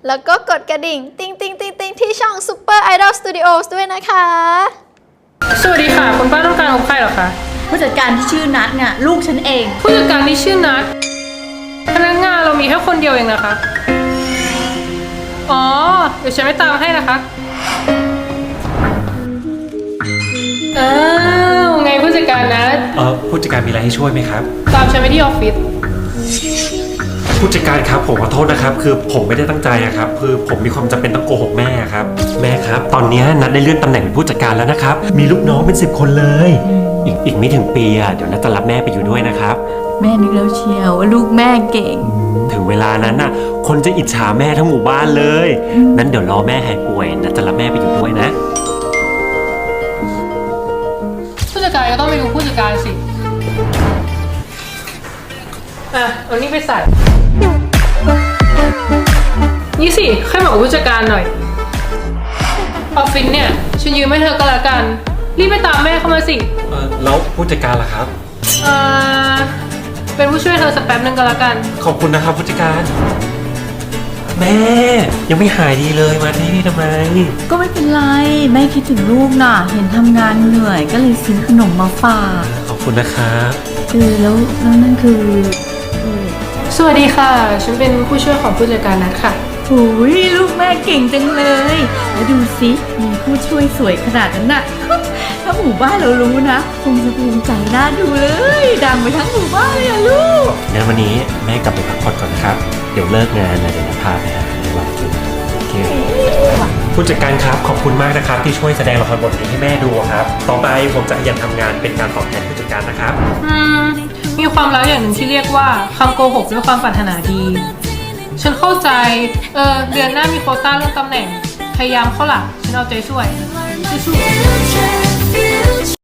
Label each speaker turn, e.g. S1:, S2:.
S1: แล้วก็กดกระดิ่งติ๊งติ๊งติ๊งติ๊งที่ช่อง Super Idol Studios ด้วยนะคะ
S2: สวัสดีค่ะคุณป้าต้องการพบใครเหรอคะ
S3: ผู้จัดการที่ชื่อนัทเนี่ยลูกฉันเอง
S2: ผู้จัดการที่ชื่อนัทพนักงานเรามีแค่คนเดียวเองนะคะอ๋อเดี๋ยวฉันไปตามให้นะคะอ้าวไงผู้จัดการนัท
S4: ผู้จัดการมีอะไรให้ช่วยไหมครับ
S2: ตามฉันไปที่ออฟฟิศ
S4: ผู้จัดการครับผมขอโทษนะครับคือผมไม่ได้ตั้งใจอะครับคือผมมีความจำเป็นต้องโกหกแม่ครับแม่ครับตอนนี้นัดได้เลื่อนตำแหน่งเป็นผู้จัดการแล้วนะครับมีลูกน้องเป็น10 คนเลยอีกไม่ถึงปีอะเดี๋ยวนัดจะรับแม่ไปอยู่ด้วยนะครับ
S3: แม่นึกแล้วเชียวว่าลูกแม่เก่ง
S4: ถึงเวลานั้นน่ะคนจะอิจฉาแม่ทั้งหมู่บ้านเลยนั้นเดี๋ยวรอแม่หายป่วยนัดจะรับแม่ไปอยู่ด้วยนะ
S2: ผู้จัดการก็ต้องไปดูผู้จัดการสิอ่ะเอานี่ไปใส่นี่สิค่อยบอกผู้จัดการหน่อยออฟฟิศเนี่ยฉันยืมให้เธอก็แล้วกันรีบไปตามแม่เข้ามาสิ
S4: แล้วผู้จัดการล่ะครับ
S2: เป็นผู้ช่วยเธอสักแป๊บนึงก็แล้วกัน
S4: ขอบคุณนะครับผู้จัดการแม่ยังไม่หายดีเลยมาที่นี่ทำไม
S3: ก็ไม่เป็นไรแม่คิดถึงลูกน่ะเห็นทำงานเหนื่อยก็เลยซื้อขนมมาฝาก
S4: ขอบคุณนะครับ
S3: แล้วนั่นคือ
S2: สวัสดีค่ะฉันเป็นผู้ช่วยของผู้จัดการนัทค่ะ
S3: โอ้ยลูกแม่เก่งจังเลยแล้วดูสิมีผู้ช่วยสวยขนาดนั้นน่ะ ถ้าหมู่บ้านเรารู้นะคงจะภูมิใจน่าดูเลยดังไปทั้งหมู่บ้านเลยอะลูก
S4: งั้นวันนี้แม่กลับไปพักผ่อนก่อนนะครับ เดี๋ยวเลิกงานนะเดี๋ยวจะพาไปหาในวันกินโอเคผู้จัดการครับขอบคุณมากนะครับที่ช่วยแสดงละครบทนี้ให้แม่ดูครับ ต่อไปผมจะขยันทำงานเป็นการตอบแทนผู้จัดการนะครับ
S2: มีความลับอย่างหนึ่งที่เรียกว่าคำโกหกด้วยความปรารถนาดี ฉันเข้าใจเดือนหน้ามีโควต้าเรื่องตำแหน่ง พยายามเข้าหลักฉันเอาใจช่วยสู้ๆ